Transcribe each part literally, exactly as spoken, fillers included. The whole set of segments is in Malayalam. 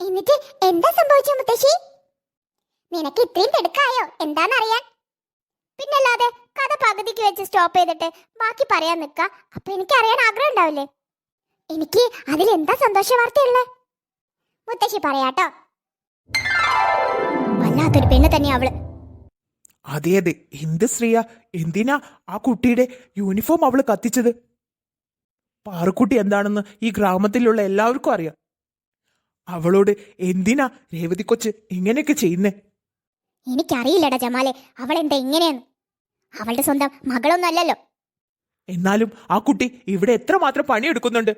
എന്നിട്ട് എന്താ സംഭവിച്ചു മുത്തശ്ശി? നിനക്ക് ഇത്രയും തിടുക്കായോ എന്താന്നറിയാൻ? പിന്നല്ലാതെ കഥ പകുതിക്ക് വെച്ച് സ്റ്റോപ്പ് ചെയ്തിട്ട് ബാക്കി പറയാൻ നിക്ക. അപ്പൊ എനിക്ക് അറിയാൻ ആഗ്രഹം ഉണ്ടാവില്ലേ? എനിക്ക് അതിലെന്താ സന്തോഷ വാർത്തയുള്ളേ? മുത്തശ്ശി പറയാട്ടോ. വല്ലാത്തൊരു പെണ്ണ് തന്നെയാ അവള്. അതെ അതെ, എന്ത് ശ്രീയ, എന്തിനാ ആ കുട്ടിയുടെ യൂണിഫോം അവള് കത്തിച്ചത്? പാറുക്കുട്ടി എന്താണെന്ന് ഈ ഗ്രാമത്തിലുള്ള എല്ലാവർക്കും അറിയാം. അവളോട് എന്തിനാ രേവതി കൊച്ച് ഇങ്ങനെയൊക്കെ ചെയ്യുന്നേ? എനിക്കറിയില്ലടാ ജമാലെ, അവൾ എന്താ ഇങ്ങനെയെന്ന്. അവളുടെ സ്വന്തം മകളൊന്നും അല്ലല്ലോ. എന്നാലും ആ കുട്ടി ഇവിടെ എത്രമാത്രം പണിയെടുക്കുന്നുണ്ട്.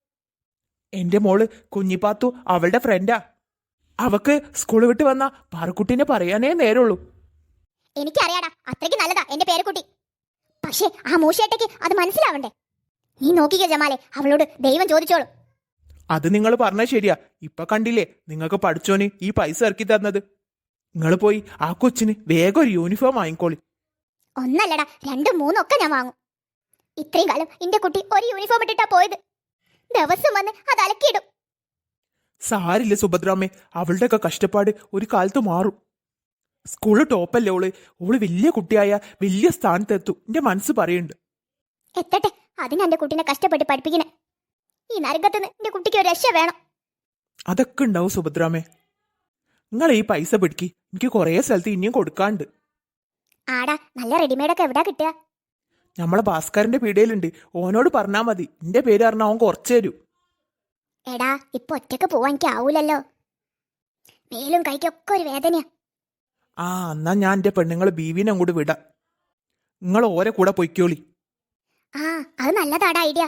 എന്റെ മോള് കുഞ്ഞിപ്പാത്തു അവളുടെ ഫ്രണ്ടാ. അവക്ക് സ്കൂൾ വിട്ട് വന്ന പാറുക്കുട്ടിനെ പറയാനേ നേരുള്ളൂ. എനിക്കറിയാടാ, അത്രയ്ക്ക് നല്ലതാ എന്റെ പേരക്കുട്ടി. പക്ഷേ ആ മൂശേട്ടയ്ക്ക് അത് മനസ്സിലാവണ്ടേ? നീ നോക്കിക്കോ ജമാലെ, അവളോട് ദൈവം ചോദിച്ചോളൂ. അത് നിങ്ങൾ പറഞ്ഞ ശരിയാ. ഇപ്പൊ കണ്ടില്ലേ നിങ്ങൾക്ക് പഠിച്ചോന് ഈ പൈസ ഇറക്കി തന്നത്. നിങ്ങൾ പോയി ആ കൊച്ചിന് വേഗം ഒരു യൂണിഫോം വാങ്ങിക്കോളി. ഒന്നല്ലടാ, രണ്ടും മൂന്നും ഒക്കെ ഞാൻ വാങ്ങും. ഇത്രയും കാലം എന്റെ കുട്ടി ഒരു യൂണിഫോം ഇട്ടിട്ടാ പോയത്. ദിവസം വന്ന് അത് അലക്കിയിടും. സാരില്ല സുഭദ്രാമ്മേ, അവളുടെയൊക്കെ കഷ്ടപ്പാട് ഒരു കാലത്ത് മാറും. സ്കൂള് ടോപ്പല്ലേ ഓള്. ഓള് വലിയ കുട്ടിയായ വലിയ സ്ഥാനത്തെത്തും എന്റെ മനസ്സ് പറയുന്നുണ്ട്. എത്തട്ടെ, അതിന് എന്റെ കുട്ടീനെ കഷ്ടപ്പെട്ട് പഠിപ്പിക്കണേ. ഈ നരകത്തുനിന്ന് എന്റെ കുട്ടിക്ക് ഒരു രക്ഷ വേണം. അതൊക്കെ ഉണ്ടാവും സുഭദ്രാമ്മേ. നിങ്ങൾ ഈ പൈസ പിടിക്കി, എനിക്ക് കുറേ സ്ഥലത്ത് ഇനിയും കൊടുക്കാണ്ട്. ആടാ, നല്ല റെഡിമെയ്ഡൊക്കെ എവിടാ കിട്ടുക? നമ്മളെ ഭാസ്കരന്റെ പീടികയിലുണ്ട്. ഓനോട് പറഞ്ഞാൽ മതി, എന്റെ പേര് പറഞ്ഞാൽ അവൻ കുറച്ചു തരൂ. എടാ, ഇപ്പൊ ഒറ്റക്ക് പോവാൻ എനിക്ക് ആവൂലല്ലോ. മേലും കൈക്കൊക്കെ ഒരു വേദനയാ. ആ എന്നാ ഞാൻ എന്റെ പെണ്ണുങ്ങളെ ബീവിനെ അങ്ങോട്ട് വിടാം. നിങ്ങൾ ഓരെ കൂടെ പൊയ്ക്കോളി. ആ, അത് നല്ലതാടാ ഐഡിയ.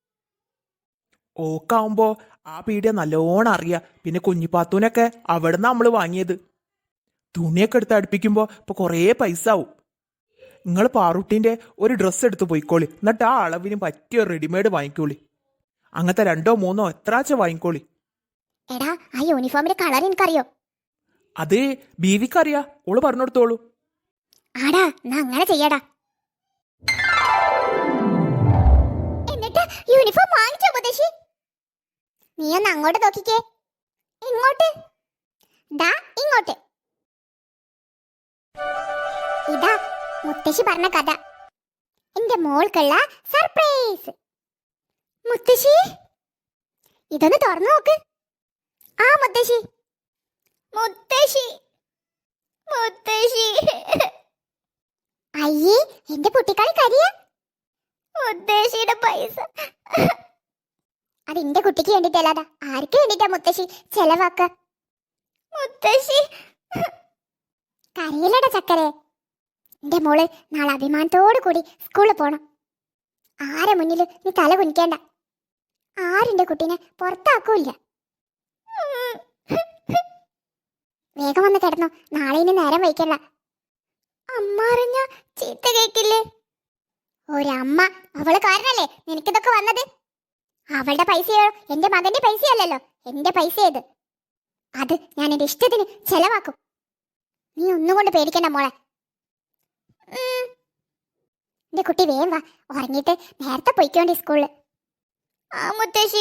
ഓക്കാവുമ്പോ ആ പീടിയ നല്ലോണം അറിയാം. പിന്നെ കുഞ്ഞിപ്പാത്തൂനൊക്കെ അവിടെ നിന്ന് നമ്മള് വാങ്ങിയത്. തുണിയൊക്കെ എടുത്ത് അടുപ്പിക്കുമ്പോ ഇപ്പൊ കുറേ പൈസ ആവും. നിങ്ങൾ പാറുട്ടിന്റെ ഒരു ഡ്രസ്സ് എടുത്ത് പോയിക്കോളി. എന്നിട്ട് ആ അളവിന് പറ്റിയ റെഡിമെയ്ഡ് വാങ്ങിക്കോളി. അങ്ങനത്തെ രണ്ടോ മൂന്നോ എത്രാച്ച വാങ്ങിക്കോളി. എടാ, ആ യൂണിഫോമിന്റെ കളർ എനിക്കറിയോ? അത് ബീവിക്കറിയാ, ഓള് പറഞ്ഞെടുത്തോളൂ. ആടാ, എന്നാ അങ്ങനെ ചെയ്യടാ. എന്നിട്ട് യൂണിഫോം വാങ്ങിച്ചോ മുത്തശ്ശി? നീ ഒന്ന് അങ്ങോട്ട് നോക്കിക്കേ. ഇങ്ങോട്ട് ദാ ഇങ്ങോട്ട്. ഇതാ മുത്തശ്ശി പറഞ്ഞ കഥ, എന്റെ മോൾക്കുള്ള സർപ്രൈസ്. മുത്തശ്ശി, ഇതൊന്ന് തുറന്നു നോക്ക്. ആ മുത്തശ്ശി, മുത്തശ്ശി, മുത്തശ്ശി. അയ്യേ, എന്റെ കുട്ടിക്കാളി കരിയ. മുത്തശ്ശിയുടെ പൈസ അത് എന്റെ കുട്ടിക്ക് വേണ്ടിട്ടല്ലാതാ, ആർക്ക് വേണ്ടിട്ടാ മുത്തശ്ശി ചെലവാക്ക? മുത്തശ്ശി കരയിലട ചക്കരെ. എന്റെ മോള് നാളെ അഭിമാനത്തോടു കൂടി സ്കൂളിൽ പോണം. ആരെ മുന്നിൽ നീ തല കുനിക്കേണ്ട. ആരെന്റെ കുട്ടീനെ പുറത്താക്കൂല്ല. വേഗം വന്ന് കിടന്നു, നാളെ ഇനി നേരം വയ്ക്കണ്ട. അമ്മ അറിഞ്ഞ ചീത്ത കേക്കില്ലേ? ഒരമ്മ, അവള് കാരണല്ലേ നിനക്കിതൊക്കെ വന്നത്. അവളുടെ പൈസയോ എന്റെ മകന്റെ പൈസയല്ലല്ലോ, എന്റെ പൈസ ഇത്. അത് ഞാൻ എന്റെ ഇഷ്ടത്തിന് ചെലവാക്കും. നീ ഒന്നുകൊണ്ട് പേടിക്കണ്ട മോളെ. എന്റെ കുട്ടി വേഗം വാ, ഉറങ്ങിയിട്ട് നേരത്തെ പൊയ്ക്കോണ്ടി സ്കൂളില്. ആ മുത്തശ്ശി.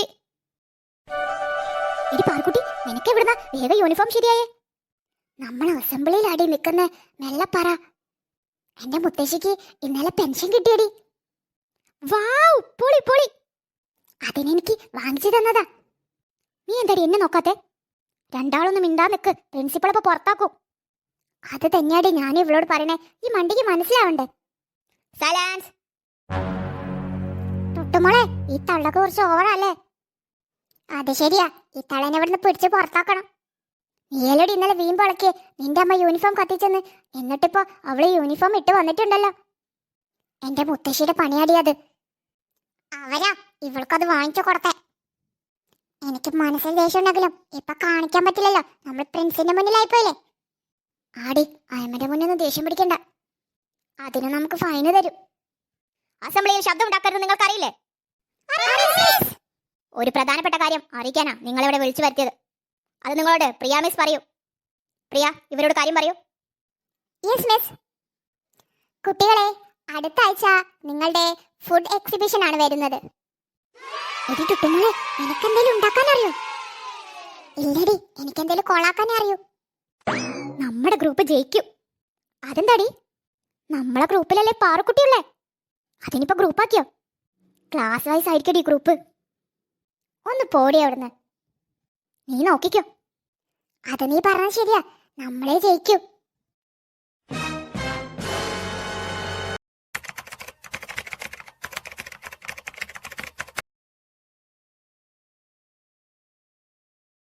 എടി പാർക്കുട്ടി, നിനക്ക് എവിടുന്ന വേഗം യൂണിഫോം ശരിയായേ? നമ്മൾ അസംബ്ലിയിൽ അടി നിൽക്കുന്ന മെല്ലപ്പറ. എന്റെ മുത്തശ്ശിക്ക് ഇന്നലെ പെൻഷൻ കിട്ടിയടി. വാവ്, പൊളി പൊളി. അതിനെനിക്ക് വാങ്ങിച്ചു തന്നതാ. നീ എന്താടി എന്നെ നോക്കാത്തെ? രണ്ടാളൊന്നും മിണ്ടാ നിക്ക്, പ്രിൻസിപ്പൾ അപ്പൊ പുറത്താക്കും. അത് തന്നെയാടി ഞാൻ ഇവളോട് പറയണേ, ഈ മണ്ടിക്ക് മനസ്സിലാവണ്ടേ? സലാൻസ്. തൊട്ടുമോളെ, ഈ തള്ളക്ക് കുറച്ച് ഓവറല്ലേ? അത് ശരിയാ, ഈ തള്ളനെ ഇവിടുന്ന് പിടിച്ച് പുറത്താക്കണം. നീയലോടി ഇന്നലെ വീമ്പളക്കിയേ നിന്റെ അമ്മ യൂണിഫോം കത്തിച്ചെന്ന്. എന്നിട്ടിപ്പോ അവള് യൂണിഫോം ഇട്ട് വന്നിട്ടുണ്ടല്ലോ. എന്റെ മുത്തശ്ശിയുടെ പണിയാടിയത്. അവരാ ഇവൾക്കത് വാങ്ങിച്ചു കൊടുത്തേ. എനിക്ക് മനസ്സിൽ ദേഷ്യം ഉണ്ടെങ്കിലും ഇപ്പൊ കാണിക്കാൻ പറ്റില്ലല്ലോ, നമ്മൾ പ്രിൻസിന്റെ മുന്നിലായിപ്പോയില്ലേ. ആടി, അയമ്മന്റെ മുന്നിൽ നിന്ന് ദേഷ്യം പിടിക്കണ്ട, അതിന് നമുക്ക് ഫൈന് തരും. അസംബ്ലിയിൽ ശബ്ദം ഉണ്ടാക്കരുത് നിങ്ങൾക്കറിയില്ലേ? ഒരു പ്രധാനപ്പെട്ട കാര്യം അറിയിക്കാനാ നിങ്ങളിവിടെ വിളിച്ചു വരുത്തിയത്. അത് നിങ്ങളോട് പ്രിയ മിസ് പറയൂ. പ്രിയ, ഇവരോട് കാര്യം പറയൂ. Yes miss. കുട്ടികളെ, അടുത്ത ആഴ്ച നിങ്ങളുടെ ഫുഡ് എക്സിബിഷൻ ആണ് വരുന്നത്. എടി ടുട്ടുമോളെ, നിനക്കെന്തെങ്കിലും ഉണ്ടാക്കാൻ അറിയോ? ഇല്ലടി, എനിക്കെന്തേലും കൊളാക്കാനേ അറിയൂ. നമ്മുടെ ഗ്രൂപ്പ് ജയിക്കും. അതെന്താടി? നമ്മളെ ഗ്രൂപ്പിലല്ലേ പാറുക്കുട്ടിയുള്ളേ? അതിനിപ്പോ ഗ്രൂപ്പാക്കിയോ? ക്ലാസ് വൈസ് ആയിരിക്കടി ഗ്രൂപ്പ്. ഒന്ന് പോടി അവിടുന്ന്. നീ നോക്കിക്കോ. അത് നീ പറഞ്ഞത് ശരിയാ, നമ്മളെ ജയിക്കും.